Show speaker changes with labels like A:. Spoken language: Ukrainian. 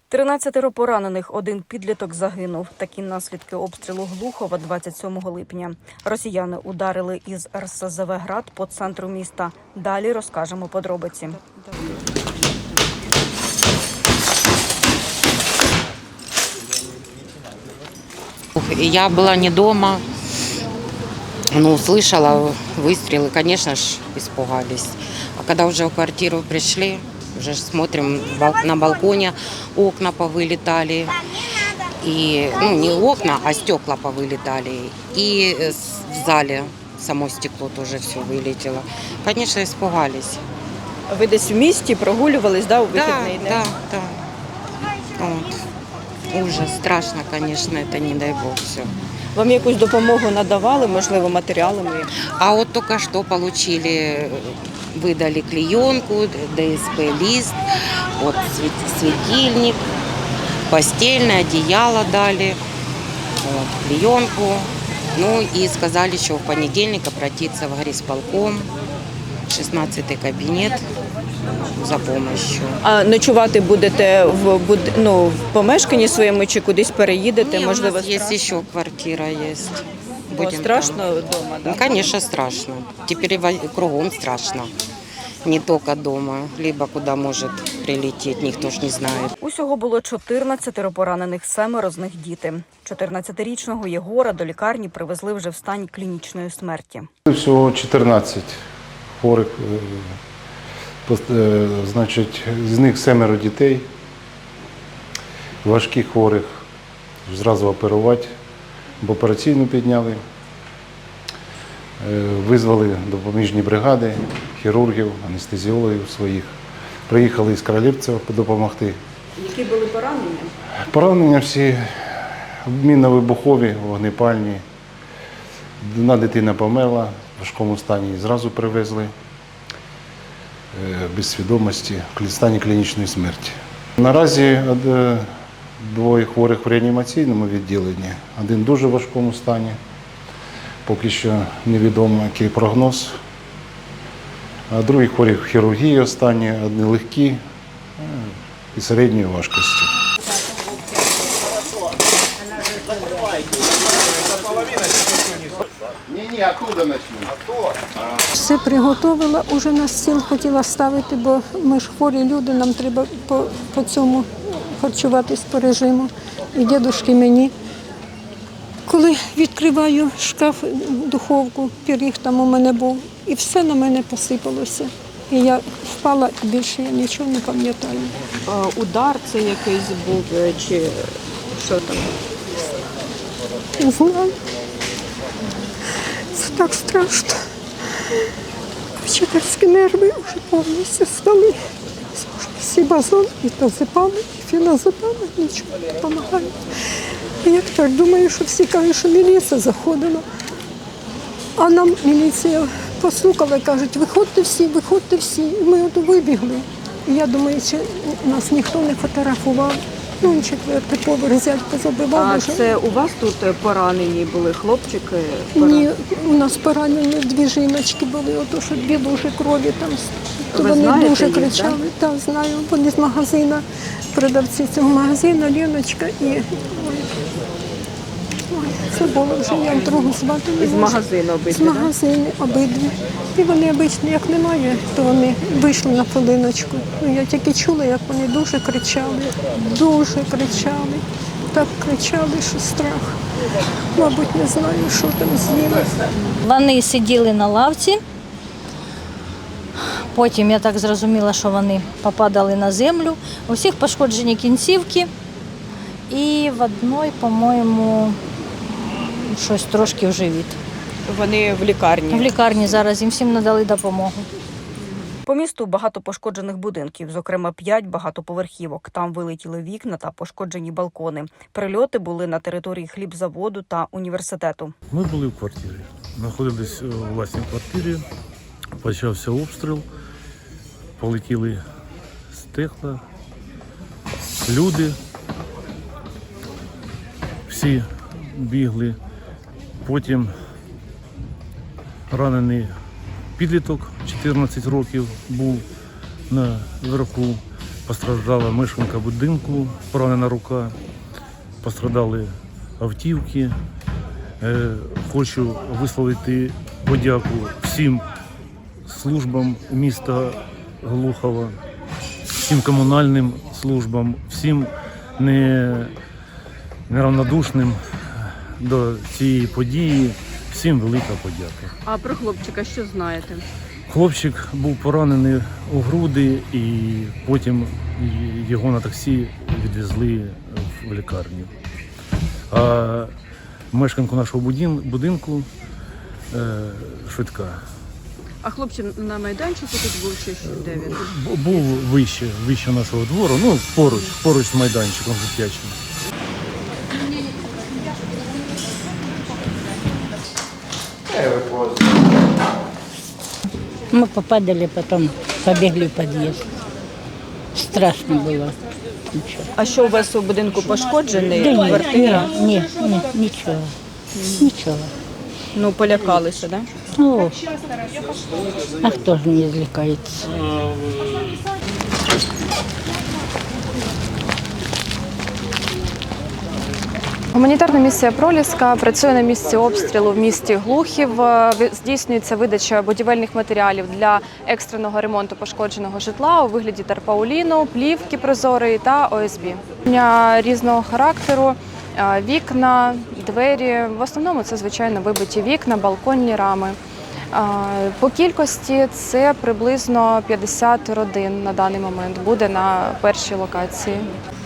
A: 13 поранених, один підліток загинув. Такі наслідки обстрілу Глухова 27 липня. Росіяни ударили із РСЗВ «Град» по центру міста. Далі розкажемо подробиці.
B: Я была не дома, но услышала выстрелы, конечно ж, испугались. А когда уже в квартиру пришли, уже смотрим, на балконе окна повылетали. И, не окна, а стекла повылетали. И в зале само стекло тоже все вылетело. Конечно, испугались.
A: Ви десь в місті прогулювались, у вихідний день?
B: Да. Вот. Ужас, страшно, конечно, это не дай бог все.
A: Вам якусь допомогу надавали, можливо, матеріалами?
B: А вот только что выдали клеенку, ДСП-лист, вот светильник, постельное, одеяло дали, вот, клеенку. Ну и сказали, что в понедельник обратиться в горисполком, 16-й кабинет за помощью.
A: А ночувати будете в помешканні своєму чи кудись переїдете?
B: Не,
A: можливо,
B: у нас есть еще квартира есть. Будем
A: страшно
B: там.
A: вдома,
B: Ну, конечно, страшно. Теперь кругом страшно. Не только дома, либо куда может прилететь, никто ж не знает.
A: Усього було 14 поранених, 7 з них діти. 14-річного Єгора до лікарні привезли вже в стані клінічної смерті.
C: Всього 14 хворих, значить, з них 7 дітей, важких хворих, зразу оперувати, в операційну підняли, визвали допоміжні бригади, хірургів, анестезіологів своїх. Приїхали із Королівцева допомогти.
A: Які були поранення?
C: Поранення всі мінно-вибухові, вогнепальні. Одна дитина померла в важкому стані, її зразу привезли без свідомості, в стані клінічної смерті. Наразі 2 хворих в реанімаційному відділенні, один в дуже важкому стані. Поки що невідомо, який прогноз. А другий хворі в хірургії останні, одні легкі і середньої важкості.
D: Все приготувала, уже на стіл хотіла ставити, бо ми ж хворі люди, нам треба по цьому харчуватись по режиму. І дідушки мені. Коли відкриваю шкаф, духовку, пиріг там у мене був, і все на мене посипалося. І я впала, і більше я нічого не пам'ятаю.
A: Удар це якийсь був, чи що там?
D: Не знаю. Це так страшно. Вчительські нерви вже повністю стали. Всі базон, і тазепами, і феназепами, нічого не допомагає. Я так думаю, що всі кажуть, що міліція заходила. А нам міліція постукала і кажуть, виходьте всі. І ми от вибігли. І я думаю, що нас ніхто не фотографував. Ну, 4-й поверх взяти позабивав.
A: А це у вас тут поранені були хлопчики?
D: Ні, у нас поранені 2 жіночки були, ото що 2 лужі крові там. То
A: Ви
D: вони
A: знаєте
D: дуже
A: їх,
D: кричали. Так, знаю. Вони з магазину, продавці цього магазину, Леночка і це було вже, я другу звати не
A: З
D: можу.
A: магазину обидві,
D: З магазину обидві. І вони обично, як немає, то вони вийшли на хвилиночку. Ну, я тільки чула, як вони дуже кричали. Так кричали, що страх. Мабуть, не знаю, що там з'їли.
E: Вони сиділи на лавці, потім я так зрозуміла, що вони попадали на землю. У всіх пошкоджені кінцівки і в одної, по-моєму, щось трошки в живіт.
A: Вони в лікарні?
E: В лікарні зараз їм всім надали допомогу.
A: По місту багато пошкоджених будинків, зокрема 5 багатоповерхівок. Там вилетіли вікна та пошкоджені балкони. Прильоти були на території хлібзаводу та університету.
F: Ми були в квартирі, знаходились у власній квартирі, почався обстріл, полетіли стекла, люди, всі бігли, потім ранений підліток, 14 років, був наверху. постраждала мешканка будинку, поранена рука, пострадали автівки. Хочу висловити подяку всім службам міста Глухова, всім комунальним службам, всім неравнодушним до цієї події. Всім велика подяка.
A: А про хлопчика що знаєте?
F: Хлопчик був поранений у груди і потім його на таксі відвезли в лікарню. А мешканку нашого будинку швидка.
A: А хлопчик на майданчику тут був чи де він?
F: Був вище нашого двору, ну поруч з майданчиком дитячим.
G: Мы попадали, потом побегли в подъезд. Страшно было. Ничего.
A: А що у вас у будинку пошкоджений?
G: Да
A: Квартира?
G: ничего. Ничего.
A: Ну, полякалися, так? Да?
G: Ну, а кто же не извлекается?
H: Гуманітарна місія «Проліска» працює на місці обстрілу в місті Глухів. Здійснюється видача будівельних матеріалів для екстреного ремонту пошкодженого житла у вигляді тарпауліну, плівки прозорої та ОСБ. Різного характеру, вікна, двері. В основному це, звичайно, вибиті вікна, балконні рами. По кількості це приблизно 50 родин на даний момент буде на першій локації.